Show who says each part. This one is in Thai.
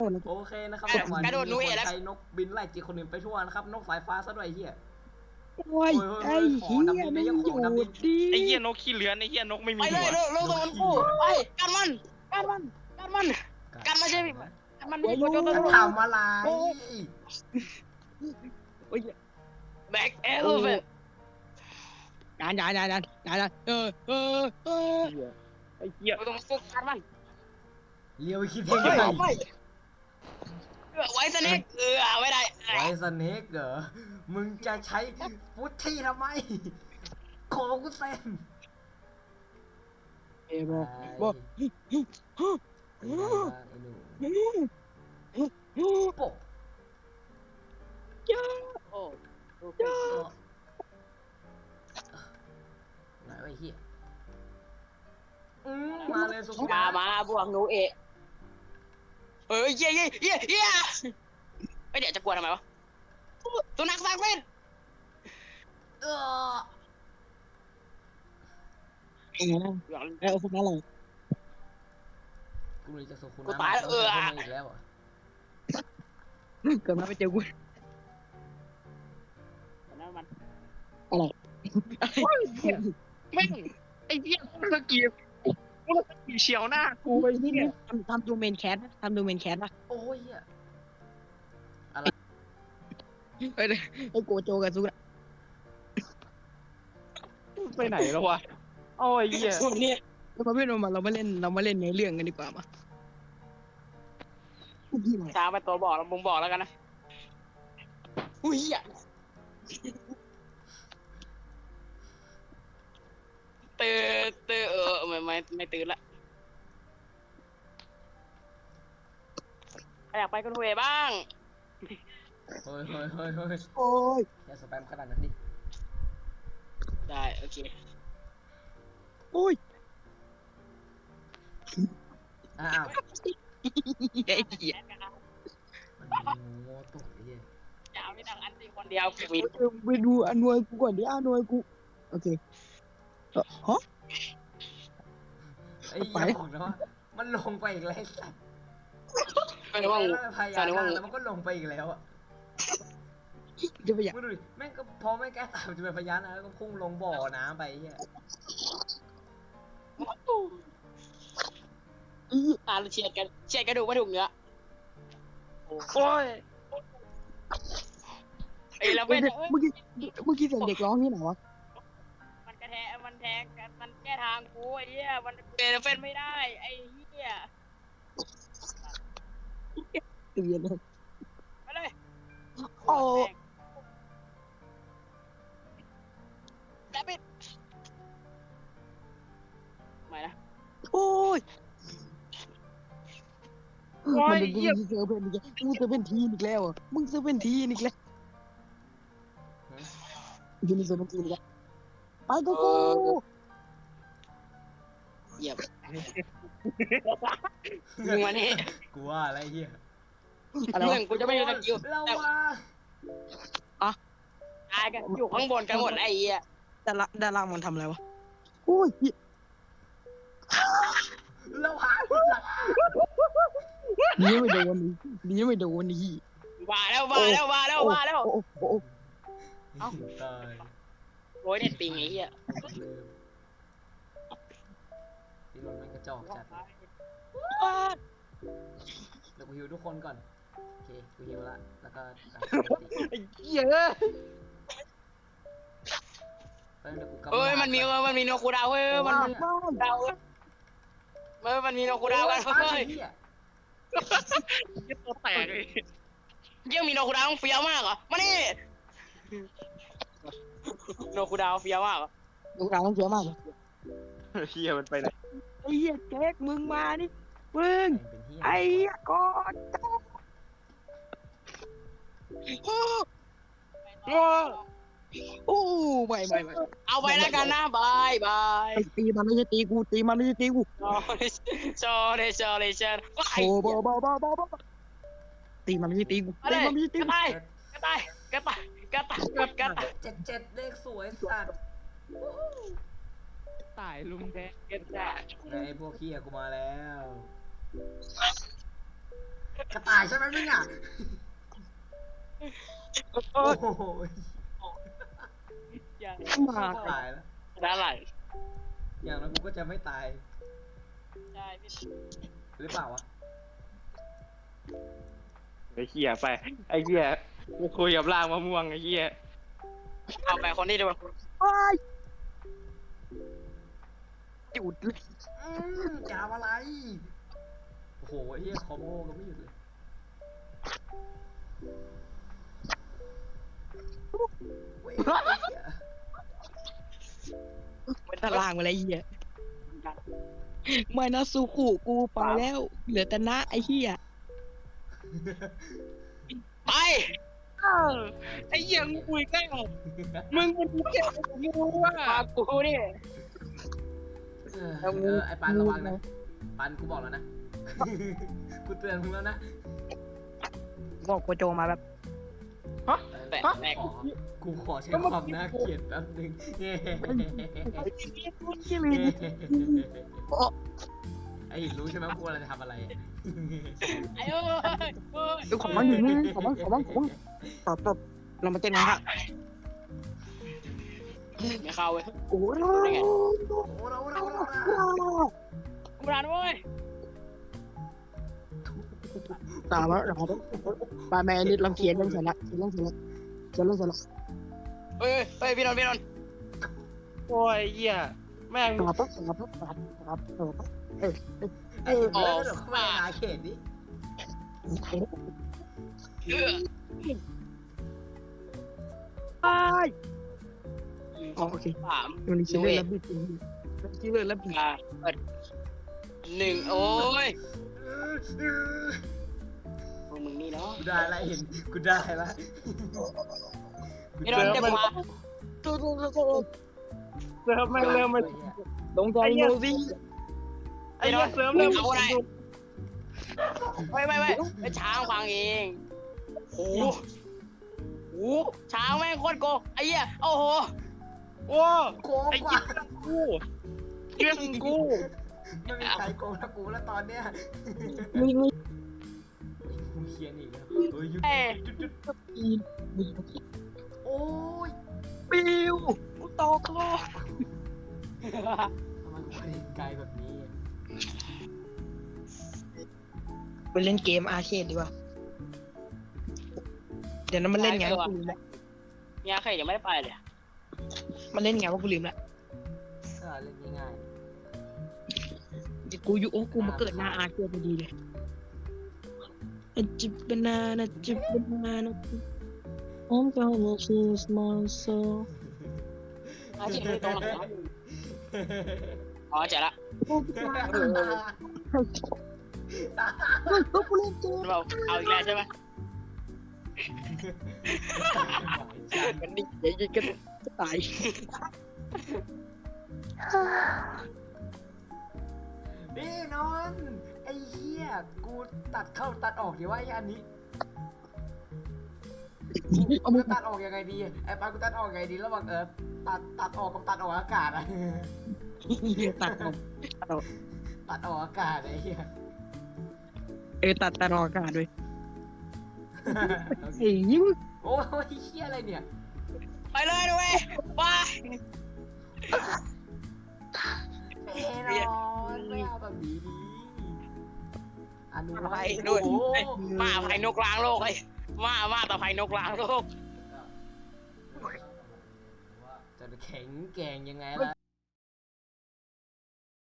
Speaker 1: โอเคนะครับ
Speaker 2: กระโดดหนู
Speaker 1: มี
Speaker 2: เอ
Speaker 1: คน
Speaker 2: แล้ว
Speaker 1: ใช้นกบินไล่จิกคนอื่นไปทั่วนะครับนกสายฟ้าซะด้วยเฮีย
Speaker 3: โอ้ยไอ้เหี้ยไม่หยุดดิ
Speaker 4: ไอ้เหี้ยนกขี้เลื้อนไอ้เหี้ยนกไม่มี
Speaker 2: ไปเล
Speaker 4: หั
Speaker 2: ยว เร็วตัวมันกูไปกันมันกันมาใช่ไหมกันมัน
Speaker 1: จะทำอะไร
Speaker 3: โอ้ย
Speaker 2: แบ็คเอลเวน
Speaker 3: ดัน
Speaker 4: ไอ้เหี้ย
Speaker 2: เราต้องฟุกกันมัน
Speaker 1: เลี้ยวคิดเท่
Speaker 2: เฮ้ย
Speaker 1: ไง
Speaker 2: ไม่ไว้สเน็กไม่ได้
Speaker 1: ไว้สเน็กเหรอมึงจะใช้ฟุตที่ทำไมของกูเต็ม
Speaker 3: เอ้ยบอก
Speaker 1: ไอ้หนูปก
Speaker 2: โอ้
Speaker 1: ไหนไอ้เหี้ยมาเลยสุขุ
Speaker 2: มาบวกหนูเอเย่ไม่เดี๋ยวจะกลัวทำไมวะตัวนักสักเป็น
Speaker 1: เออ
Speaker 3: ไอ้พวกนั้นอะไร
Speaker 1: กูเลยจะสุขุนะมาอีกแล้วอ่ะ
Speaker 3: เกิดมาไปเจอกู
Speaker 2: มัน
Speaker 3: อะไร
Speaker 4: แม่งไอ้เหี้ยสกีเฉียวหน้ากูไอ้เหี้ย
Speaker 3: ทำดูเมนแคสทำดูเมนแคสป่ะ
Speaker 1: โอ้ยอ่ะ
Speaker 3: ไอ้โกโจกับซูระ
Speaker 4: ไปไหนแล้ววะโอ้ยเหี้ย
Speaker 2: เนี่ย
Speaker 3: แล้วมาเพื่อนมาเรามาเล่นในเรื่องกันดีกว่ามาพี่มา
Speaker 2: ช้าไปตัวบอกแล้วมึงบอกแล้วกันนะอุ้ยตื่นไม่ตื่นละอยากไปกันเวบ้าง
Speaker 1: เฮ้ย
Speaker 3: โอ้ย
Speaker 1: อย่าสแปมขนาดนั้นดิ
Speaker 2: ได้โอเค
Speaker 3: โอ้ย
Speaker 1: อ้าว
Speaker 3: ไอ้เหี้ย
Speaker 1: มันมีงูตกไอ้เหี้ย
Speaker 2: จะเอาไม่ดังอันตีคนเดียวมี
Speaker 3: ไปดูอานวยกูก่อนดิอานวยกูโอเคฮะ
Speaker 1: ไอ้เหี้ยบอกนะว่ามันลงไปอีกแล้วไอ้สัตว์
Speaker 2: ไม่รู้ว่า
Speaker 1: พยายามแล้วมันก็ลงไปอีกแล้วอ่ะ
Speaker 3: จะไปอยาก
Speaker 1: มึงดูดิแม่งก็พอไม่แก้ตามจะเป็นพยานนะแล้วก็พุ่งลงบ่อน้ำไปไอ้เหี้ย
Speaker 2: เฉียดกระดูกไม่ถูกเนื้อ
Speaker 4: โอ้ย
Speaker 2: ไอ้เราเป็น
Speaker 3: เมื่อกี้เสียงเด็กร้องที่ไหนวะ
Speaker 2: มันกระแทกมันแทงกันมันแก้ทางกูไอ้เหี้ยมันเป็นไม่ได้ไอ้เหี้ย
Speaker 3: ตื่นเลย
Speaker 2: ไปเลย
Speaker 3: โอ้
Speaker 2: ดับบิดไม่นะ
Speaker 3: โอ้ยมันเป็นเซอร์เพนอีกแล้วมึงเซอร์เพนทีอีกแล้วมึงเซอร์เพนทีอีกแล้วยูนิเซอร์เพนทีอีกแล้วไปกู
Speaker 2: เหยียบมึงมานี่
Speaker 1: กูว่าอะไรเหี้ย
Speaker 3: อะไร
Speaker 2: เพื่
Speaker 3: วะ
Speaker 2: อนกูจะไม่อยู่สกิล
Speaker 1: เราว่า
Speaker 2: ตายกันอยู่ข้างบนกันหมดไอ้เหี้ย
Speaker 3: ดารามันทำอะไรวะโอ้ย
Speaker 1: เราหา
Speaker 3: นี่ไม่โดนนี่ไม่โดนนี่
Speaker 2: ว่าแล้ว
Speaker 3: โอ้โอ้
Speaker 1: ตาย
Speaker 2: โอ้ยเน็ตปิงไอ้เหี้ย
Speaker 1: พี่รถมันกระจอกจัดเดี๋ยวกูฮิวทุกคนก่อนโอเคกูฮิวละแล้วก็
Speaker 4: ไอ้เหี้ย
Speaker 2: เฮ้ยมันมีโนคูดาวเฮ้ยมันดาวมันมีโนคูดาวกันเฮ้ย
Speaker 4: ตัวแตกเลย
Speaker 2: ยังมีโนคูดาวเฟี้ยวมากเหรอมานี่โนคูดาวเฟี้ยวมากเหรอ
Speaker 3: ลูกเราต้องเสียมาก
Speaker 4: เหี้ยมันไปไหน
Speaker 3: ไอ้เหี้ยแจ็คมึงมานี่มึงไอ้ก่อนโอ้ไม่
Speaker 2: เอาไปแล้วกันนะบายบาย
Speaker 3: ตีมันไม่ใช่ตีกูตีมันไม่ใช่ตีกู
Speaker 2: ชอเลยฉัน
Speaker 3: โอ้บ้าตีมันไม่ใช่ตีกูตีมันไม่ใช่ตี
Speaker 2: กระ
Speaker 3: กู
Speaker 2: ต่ายกระต่าย
Speaker 1: 7เลขสวยสัตว์
Speaker 4: ตายลุงแดง
Speaker 2: กระต่าย
Speaker 1: ไอ้พวกเฮียกูมาแล้วกระต่ายใช่ไหมมึงอ่ะโอ้โห
Speaker 2: อย่า
Speaker 3: มา
Speaker 1: ตายแล้ว
Speaker 2: ด้านไหล
Speaker 1: อย่างนั้นกูก็จะไม่ตาย
Speaker 2: ใช่พี่
Speaker 1: หรือเปล่าวะ
Speaker 4: ไอ้เหี้ยไปไอ้เหี้ยกูคุยกับร่างมะม่วงไอ้เหี้ย
Speaker 2: เอาไปคนนี้ดีกว่า
Speaker 3: จุดเลย
Speaker 1: จะทำอะไร โอ้โหไอ้เหี้ยคอมโบก็ไม่หยุดเลยเว้ยไอ้เหี้ย
Speaker 3: เป็นตารางมาเลยไอ้เหี้ยไม่นะซูคุกูไปแล้ว เหลือแต่นะไอ้เหี้ย
Speaker 2: ไป
Speaker 4: ไอ้เหี้ยงูอีกแล้วมึงเป็นเหี้ยงูอ่ะ
Speaker 2: มากูนี่
Speaker 1: ไอ้ปันระวังนะปันกูบอกแล้วนะ กูเตือนมึงแล้วนะ
Speaker 3: บอกโกโจมาแบบ
Speaker 2: แตกแตก
Speaker 1: กูขอใช้ความน่าเกลียดแป๊บนึงไอ้หินรู้ใช่ไหมกูอะไรจะทำอะไร
Speaker 2: ไอ้โอ้ย
Speaker 3: ดูของมันอยู่นี่ของมันตบเรามาเต้นนะครับ
Speaker 2: ไม่เข้าเว้ย
Speaker 3: โอ้โห
Speaker 1: โอ้เรา
Speaker 2: กูรันเว้ย
Speaker 3: ตามมาเราปาแม่นิดลองเขียนเรื่องเสร็จละเรื่องเสร็จละเรื่องเสร็จละ
Speaker 2: เฮ้ยพี่นนท์
Speaker 4: โอ้ยไอ้เหี้ยแม่ง
Speaker 3: ปั๊บ
Speaker 1: ไอ้หินเดี๋ยวเข้ามาในอาเขตนี้
Speaker 3: โอเค
Speaker 2: สาม
Speaker 3: วันนี้ชื่อเล่นแล้วบิดชื่อเล่นแล้วบิด
Speaker 2: เปิดหนึ่งโอ้ยมึงนี่เนาะ
Speaker 1: กูได้ละหินกูได้ละ
Speaker 2: พี่นนท์จะมา
Speaker 4: เซิร์ฟแม่งเริ่มมา
Speaker 3: ลงใจโนซี่
Speaker 4: ไอ้เหี้ยเซิร์ฟเริ่ม
Speaker 2: ไม่ไอ้ช้างฟังเองโอ้โหช้างแม่งโคตรโกไอ้เหี้ยโอ้โห
Speaker 4: โอ้
Speaker 1: โกง
Speaker 4: ไอ้
Speaker 1: ก
Speaker 4: เหี้
Speaker 1: ว่าย
Speaker 4: กูเรื่องกู
Speaker 1: ไม่มีใครโกงถ้ากูแล้วตอนเนี้ย
Speaker 3: มี
Speaker 1: กูเขียนอีกแล้วเฮ้ยจุดโอ้ย
Speaker 3: ปิวตกโลก
Speaker 1: ทำไมกูไปไกลแบบนี้
Speaker 3: ไปเล่นเกมอาร์เคดดีกว่าเดี๋ยวนั้นมันเล่นไงกูลืมละ
Speaker 2: เนี่ยใครยังไม่ได้ไปเลย
Speaker 3: มันเล่นไงว่ากูลืมละ
Speaker 1: เล่นง่าย
Speaker 3: กูอยู่โอ้กูมาเกิดหน้าอาร์เคดพอดีเลยจิบนานะจิบนานะ I'm gonna choose myself
Speaker 2: อาชีพตรงไหนอ๋อเจ๋งละ
Speaker 3: กูเล่นเกม
Speaker 2: เราเอาอีกแล้วใช่ไหม
Speaker 3: กันดิเดี๋ยวกันตาย
Speaker 1: นี่นอนไอ้เหี้ยกูตัดเข้าตัดออกดีว่าไอ้อันนี้กูจะตัดออกยังไงดีไอ้ปากูตัดออกยังไงดีระหว่างตัดออกกับตัดออกอากาศอะ
Speaker 3: ตัดออก
Speaker 1: ตัดออกอากาศไอ้เหี้ย
Speaker 3: ตัดออกอากาศด้วยไอ้ยิ้ม
Speaker 1: โอ้ยเหี้ยอะไรเนี่ย
Speaker 2: ไปเลยด้วยไป
Speaker 1: แน่นอนไม่เอาแบบนี้ดีอนุ
Speaker 2: ไป
Speaker 1: วัต
Speaker 2: ด้วย
Speaker 1: โอ้โห
Speaker 2: มาภัยนกล้างโลกไอ้มาต่อภัยนกล้างโลก
Speaker 1: จะแข็งแกร่งยังไงล่ะ